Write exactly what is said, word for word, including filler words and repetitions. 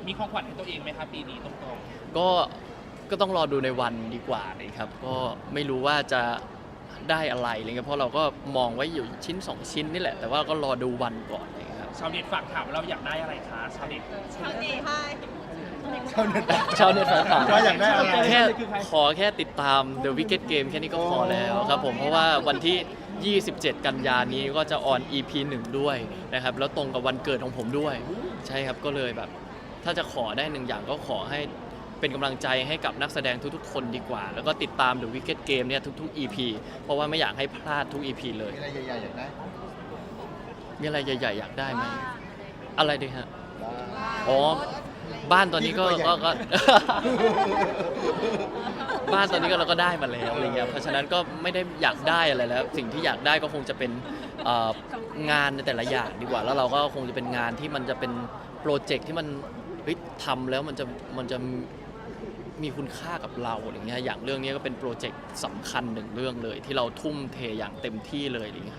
มีของขวัญให้ตัวเองไหมครับปีนี้ตรงๆก็ก็ต้องรอดูในวันดีกว่าเลยครับก็ไม่รู้ว่าจะได้อะไรอะไรเงี้ยเพราะเราก็มองไว้อยู่ชิ้นสองชิ้นนี่แหละแต่ว่าก็รอดูวันก่อนเลยครับชาวเน็ตฝากถามว่าเราอยากได้อะไรคะชาวเน็ตชาวเน็ตให้ชาวเน็ตชาวเน็ตฝากถามว่าอยากได้อะไรแค่ขอแค่ติดตาม The Wicked Game แค่นี้ก็พอแล้วครับผมเพราะว่าวันที่ ยี่สิบเจ็ด กันยานี้ก็จะออน อี พี หนึ่ง ด้วยนะครับแล้วตรงกับวันเกิดของผมด้วยใช่ครับก็เลยแบบถ้าจะขอได้หนึ่งอย่างก็ขอให้เป็นกำลังใจให้กับนักแสดงทุกๆคนดีกว่า แล้วก็ติดตาม The Wicked Game เนี่ยทุกๆ อี พี เพราะว่าไม่อยากให้พลาดทุก อี พี เลยมีอะไรใหญ่ๆอยากได้มีอะไรใหญ่ๆอยากได้ไหมอะไรดีฮะบ้างอ๋อ บ้านตอนนี้ก็นี่คือก็ตัวใหญ่ก็ บ้านตอนนี้ก็เราก็ได้มาแล้วอะไรเงี้ยเพราะฉะนั้นก็ไม่ได้อยากได้อะไรแล้ว สิ่งที่อยากได้ก็คงจะเป็นเอ่องานในแต่ละอย่างดีกว่า แล้วเราก็คงจะเป็นงานที่มันจะเป็นโปรเจกต์ที่มันเฮ้ยทำแล้วมันจะมันจะมีคุณค่ากับเราอะไรเงี้ยอย่างเรื่องนี้ก็เป็นโปรเจกต์สำคัญหนึ่งเรื่องเลย ที่เราทุ่มเทอย่างเต็มที่เลยอะไรเงี้ย